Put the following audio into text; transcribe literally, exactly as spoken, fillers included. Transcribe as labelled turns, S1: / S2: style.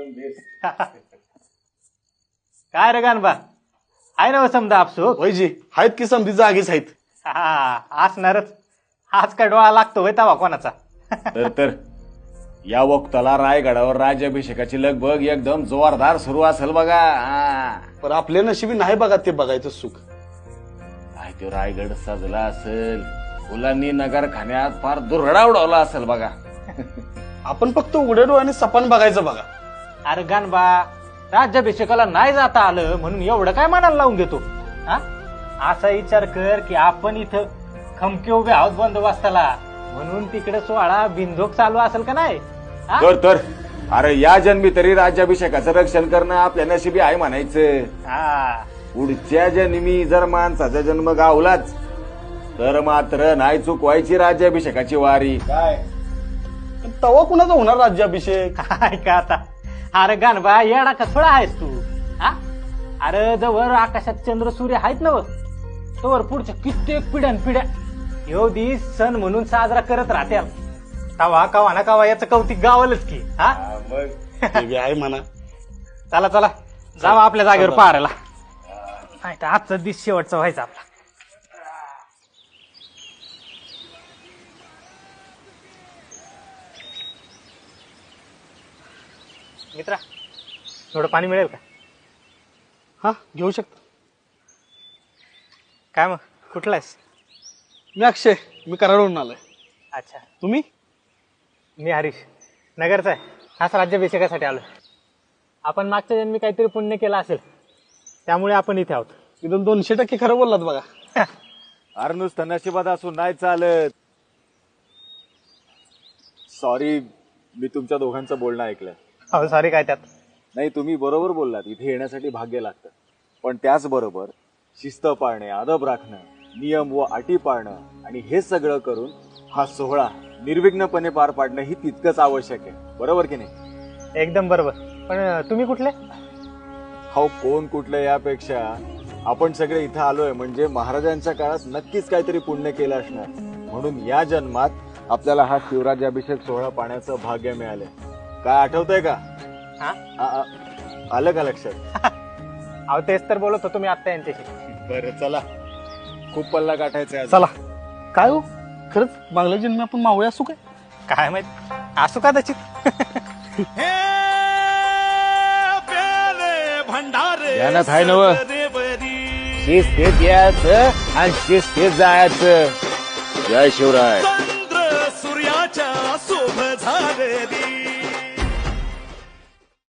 S1: काय रे गानबा आहे ना समजा आपसूक
S2: वैजी आहेत की समधी जागीच आहेत.
S1: हा असणारच. आज काय डोळा लागतो होय तवा कोणाचा.
S3: तर तर या वक्ताला रायगडावर राज्याभिषेकाची लगबग एकदम जोरदार सुरू असेल बघा. हा.
S2: पण आपल्या नशिबी नाही बघा ते बघायचं सुख.
S3: काय तो रायगड सजला असेल, फुलांनी नगरखान्यात फार दुरडा उडवला असेल बघा.
S2: आपण फक्त उघड्या डोळ्याने सपान बघायचं बघा.
S1: अरे गानबा राज्याभिषेकाला नाही जाता आलं म्हणून एवढं काय मनाला लावून घेतो. हा असा विचार कर की आपण इथं खमके उभे आहोत बंदोबस्ताला म्हणून तिकडे सोहळा बिंदोक चालू असेल का नाही.
S3: तर तर अरे या जन्मी तरी राज्याभिषेकाचं रक्षण करणं आपल्या नशिबी आहे म्हणायचं.
S1: हा
S3: पुढच्या जन्मी जर माणसाचा जन्म गावलाच तर मात्र नाही चुकवायची राज्याभिषेकाची वारी.
S2: काय तवा कुणाचा होणार राज्याभिषेक.
S1: काय का आता. अरे गानबा येडा का थोडा आहेस तू. हा अरे जवळ आकाशात चंद्र सूर्य आहेत ना तोवर पुढच्या कित्येक पिढ्यान पिढ्या ह्यो दिस सण म्हणून साजरा करत राहत्या. तवा कवा ना कवा याचं कौतिक गावलच की. हा
S2: ते बी आहे म्हणा.
S1: चला चला जावा आपल्या जागेवर पाहायला. नाही तर आजचा दिस शेवटचा व्हायचा आपला. मित्रा थोडं पाणी मिळेल का.
S2: हा घेऊ शकता.
S1: काय मग कुठला आहेस.
S2: मी अक्षय, मी कराडवरून आलोय.
S1: अच्छा
S2: तुम्ही.
S1: मी हरीश नगरचा आहे. खास राज्याभिषेकासाठी आलो. आपण मागच्या जन्मी काहीतरी पुण्य केलं असेल त्यामुळे आपण इथे आहोत.
S2: एकदम दोनशे टक्के खरं बोललात बघा.
S3: अरे नुसतं नशिबात असून नाही चालत. सॉरी मी तुमच्या दोघांचं बोलणं ऐकलं.
S1: हो सॉरी काय त्यात.
S3: नाही तुम्ही बरोबर बोललात. इथे येण्यासाठी भाग्य लागतं पण त्याचबरोबर शिस्त पाळणे, अदब राखणं, नियम व अटी पाळणं आणि हे सगळं करून हा सोहळा निर्विघ्नपणे पार पाडणं ही तितकंच आवश्यक आहे. बरोबर की नाही.
S1: एकदम बरोबर. पण तुम्ही कुठले.
S3: हो कोण कुठलं यापेक्षा आपण सगळे इथं आलोय म्हणजे महाराजांच्या काळात नक्कीच काहीतरी पुण्य केलं असणार म्हणून या जन्मात आपल्याला हा शिवराज्याभिषेक सोहळा पाहण्याचं भाग्य मिळालंय. काय आठवतंय का.
S1: हा
S3: आ- आ- आलं का लक्षात.
S1: अहो तेच तर बोलत होतो मी आता यांच्याशी.
S3: बरं चला खूप पल्ला गाठायचा आहे.
S2: चला. काय हो खरंच मागल्या जन्मी आपण मावळे असू काय.
S1: काय माहित असू का त्याची.
S3: ध्यानात आहे नव. शिस्तीत यायचं आणि शिस्तीत जायचं. जय शिवराय.